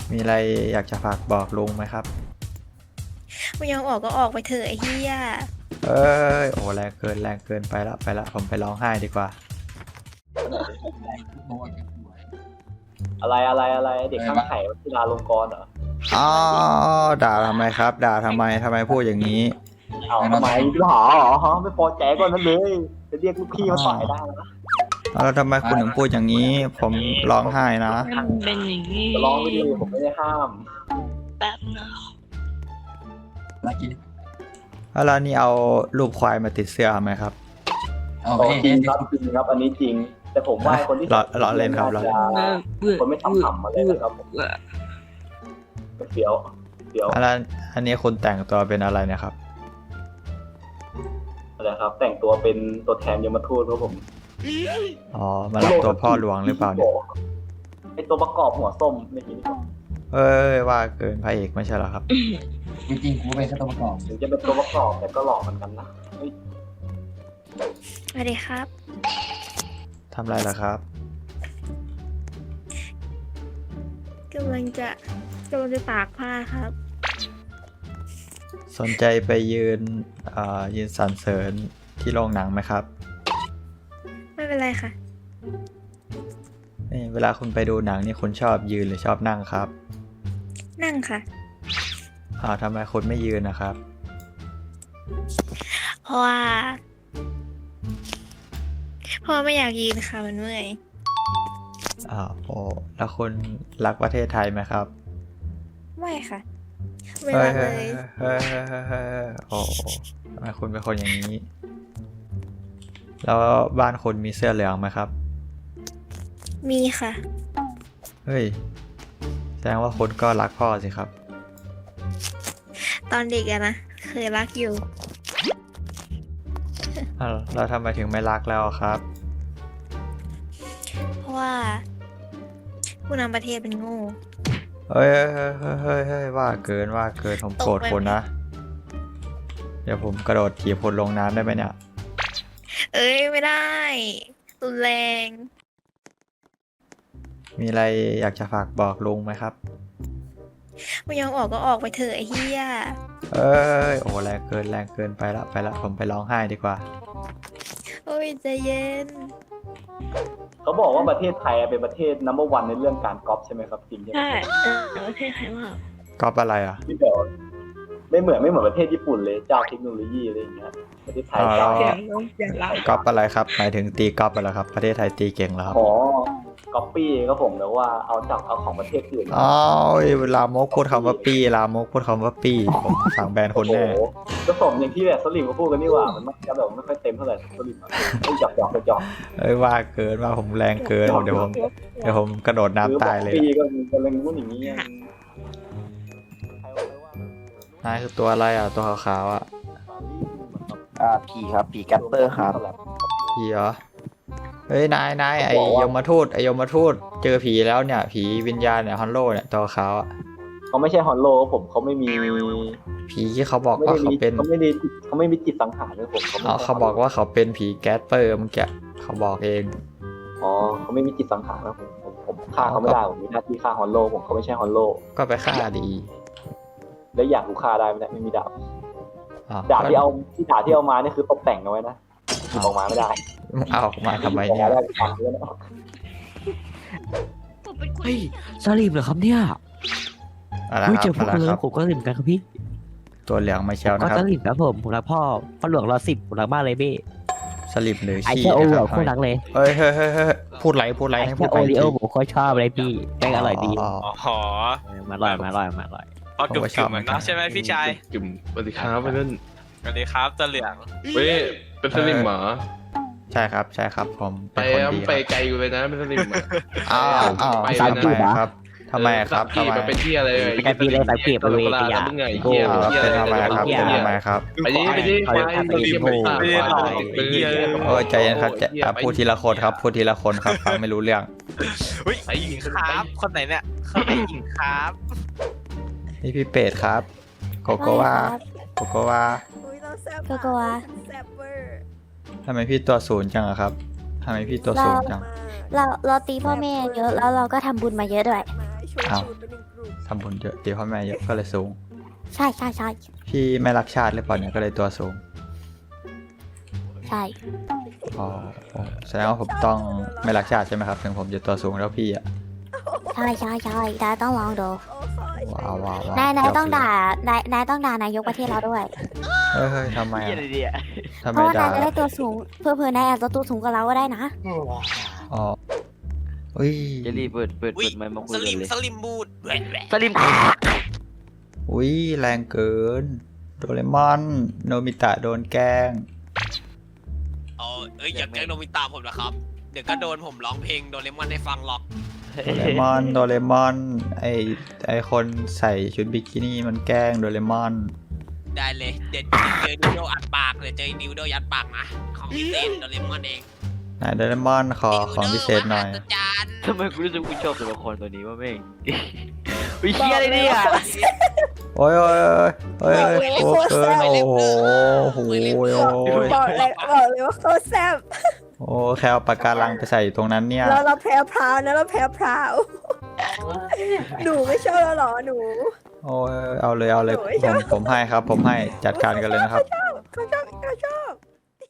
มีอะไรอยากจะฝากบอกลุงไหมครับไม่ยอมออกก็ออกไปเถอะไอ้เหี้ยเอ้ยโอ้แรงเกินไปละผมไปร้องไห้ดีกว่าอะไรเด็กข้างไข่วัชิราลงกรณ์เหรออ๋อด่าทำไมครับ ด่าทำไมพูดอย่างนี้เอาทำไมหรอไม่พอใจก่อนนั้นเลยจะเรียกลูกพี่มาต่อยได้นะแล้วทำไมคุณถึงพูดอย่างนี้ ผมร้องไห้นะมันเป็นอย่างนี้จะร้องไม่ดีผมไม่ได้ห้ามแป๊บนะแล้วนี่เอารูปควายมาติดเสื้อไหมครับจริงครับอันนี้จริง แต่ผมว่าคนที่ล้อเล่นครับล้อเล่นคนไม่ทำอะไรนะครับผมเดี๋ยวแล้วอันนี้คุณแต่งตัวเป็นอะไรเนะครับอะไรครับ แต่งตัวเป็นตัวแทนยมทูตครับผมอ๋อมารับตัวพ่อหลวงหรือเปล่าเนี่ยไอตัวประกอบหัวส้มไม่คิดเอ้ยว่าเกินพระเอกไม่ใช่เหรอครับจริงๆกูเป็นแค่ตัวประกอบถึงจะเป็นตัวประกอบแต่ก็หลอกเหมือนกันนะสวัสดีครับทำอะไรล่ะครับกำลังจะตากผ้าครับสนใจไปยืนสรรเสริญที่โรงหนังไหมครับไม่เป็นไรค่ะนี่เวลาคุณไปดูหนังนี่คุณชอบยืนหรือชอบนั่งครับนั่งค่ะทำไมคุณไม่ยืนนะครับเพราะว่าไม่อยากยืนค่ะมันเมื่อยโอ้แล้วคุณรักประเทศไทยไหมครับไม่ค่ะไม่รักเลยเฮ้ยโอ้ทำไมคุณเป็นคนอย่างนี้ แล้วบ้านคุณมีเสื้อเหลืองไหมครับมีค่ะเฮ้ยแสดงว่าคุณก็รักพ่อสิครับตอนเด็กอะนะเคยรักอยู่แล้วทำไมถึงไม่รักแล้วครับเพราะว่า ผู้นำประเทศเป็นโง่เฮ้ยว่าเกินผมโกรธคุณนะ เดี๋ยวผมกระโดดถีบคุณลงน้ำได้ไหมเนี่ยเอ้ยไม่ได้รุนแรงมีอะไรอยากจะฝากบอกลุงไหมครับไม่ยอมออกก็ออกไปเถอะไอ้เหี้ยเอ้ยโอ้แรงเกินไปละผมไปร้องไห้ดีกว่าโอ้ยใจเย็นเขาบอกว่าประเทศไทยเป็นประเทศนัมเบอร์วันในเรื่องการก๊อปใช่ไหมครับจริงใช่ไหมใช่ประเทศไทยมากก๊อปอะไรอ่ะที่แบบไม่เหมือนประเทศญี่ปุ่นเลยเจ้าเทคโนโลยีอะไรอย่างเงี้ยประเทศไทยเจ้าเสียงน้องเสียงเราก๊อปอะไรครับหมายถึงตีก๊อปอะไรครับประเทศไทยตีเก่งแล้วครับอ๋อก๊อปปี้ก็ผมแล้วว่าเอาของประเทศอื่นอ๋อลามกพูดคำว่าปี้ผมสั่งแบนคนแน่โอ้โหก็สมอย่างที่แบบสลิมก็พูดกันนี่หว่ามันจะแบบไม่ค่อยเต็มเท่าไหร่สลิมไม่หยอกเอ้ยว่าเกินว่าผมแรงเกินเดี๋ยวผมกระโดดน้ำตายเลยปีก็มีกำลังพูดอย่างนี้นายคือตัวอะไรอ่ะตัวขาวๆอ่ะผีครับผีแกปเปอร์ครับผีเหรอเฮ้ยนายไอยมทูตเจอผีแล้วเนี่ยผีวิญญาณเนี่ยฮอนโลเนี่ยตัวขาวอ่ะเขาไม่ใช่ฮอนโลผมเขาไม่มีผีที่เขาบอกว่าเขาเป็นเขาไม่มีจิตสังหารเลยผมเขาบอกว่าเขาเป็นผีแก๊สเปอร์เมื่อกี้เขาบอกเองอ๋อเขาไม่มีจิตสังหารนะผมฆ่าเขาไม่ได้ผมมีหน้าที่ฆ่าฮอนโลผมเขาไม่ใช่ฮอนโลก็ไปฆ่าดีแล้วอยากกูฆ่าได้ไม่มีดาบอ้าวดาบที่เอามานี่คือตกแต่งเอาไว้นะหยิบออกมาไม่ได้เอามาทำไมเนี่ยได้ฟังด้วยนะเฮ้ยสลิมเหรอครับเนี่ยอะไรไม่คเจรัอบ พวกอะไรเลคยรับผมก็สลิมกันครับพี่ตัวเหลืองมาเชลก็นะครับสลิมครับผมรักพ่อหลวงรอ10ผมรักบ้านเลยพี่สลิปหรือไอขี้แค่โอนะเหครรัอบ โคตรรักเลยเฮ้ยพูดไรไอให้พูแค่ดโอไปริโอผมโคตรชอบเลยพี่แม่งอร่อยดีอ๋อมาอร่อยพอกึ่มๆเหมือนเนาะใช่ไหมพี่ชายจุ่มสวัสดีครับเพื่อนสวัสดีครับตะเหลืองเว้ยเป็นสลิมเหรอใช่ครับผมไปเป็นคนดีไปไกลอยู่เลยนะเป็นสลิมเหรออ้าวไปทำเลยไมนะครับทำไมครับสามกีบมันเป็นที่อะไรไปกันพี่เลยสามกีบไปเวทีอ่ะมึงไงเหี้ยเป็นทำไมครับเป็นทำไมครับไปดิไปดิไปดิไปดิโอ้ยใจเย็นครับพูดทีละคนครับฟังไม่รู้เรื่องเฮ้ยหญิงครับคนไหนเนี่ยคนไหนหญิงครับนี่พี่เป็ดครับโกโกวาอุ๊ยเราแซ่บโกโกวาแซ่บเวอร์ทำไมพี่ตัวศูนย์จังอะครับทำไมพี่ตัวศูนย์จังเราตีพ่อแม่เยอะแล้วเราก็ทำบุญมาเยอะด้วยโชว์อ้าวสูตรไปหนึ่งกลุ่มทำบุญเยอะตีพ่อแม่เยอะก็เลยสูงใช่ใช่ใช่พี่ไม่รักชาติหรือเปล่าเนี่ยก็เลยตัวสูงใช่อ๋อแสดงว่าผมต้องไม่รักชาติใช่ไหมครับถึงผมจะตัวสูงแล้วพี่อะใช่ใช่ใช่นายต้องลองดูโอ้ยว้าวว้าวว้าวนายต้องด่านายต้องด่านายกประเทศเราด้วยเฮ้ยทำไมเหี้ยอะอะไรเนี่ยทำเพไมราะว่าด่านายจะได้ตัวสูงเพื่อนายอาจจะตัวสูงกว่าเราก็ได้นะอ๋ออุ้ยเจลลี่เปิดอุ้ยไมค์มาคุสยกัลินมเลยสลิมบูดแหวะแหวะสลิมอุ้ยแรงเกิน โดเรมอนโนบิตะโดนแกล้งเอาเอ้ยอย่าแกล้งโนบิตะผมนะครับ เดี๋ยวก็โดนผมร้องเพลงโดเรมอนให้ฟังหรอกโดเรมอนไอคนใส่ชุดบิกินี่มันแกล้งโดเรมอนได้เลยเดี๋ยวเจอดิวโดอัดปากเดี๋ยวเจอดิวโดยัดปากนะของพิเศษโดเรมอนเองไหนโดเรมอนขอของพิเศษหน่อยดิวโดมหัศจรรย์ทำไมกูรู้สึกกูชอบตัวละครตัวนี้วะแม่งวิเชียอะไรเนี่ยโอ้ยโอ้ยโอ้ยโอ้ยเกินโอ้โหโอ้ยโอ้ยบอกเลยว่าโคตรแซ่บโอ้แค่เอาปากการังไปใส่อยู่ตรงนั้นเนี่ยเราแพ้พราวนะเราแพ้พราวหนูไม่ชอบเราหรอหนูโอ้ยเอาเลยโอ้ยชอบผมให้ครับผมให้จัดการกันเลยนะครับเขาชอบ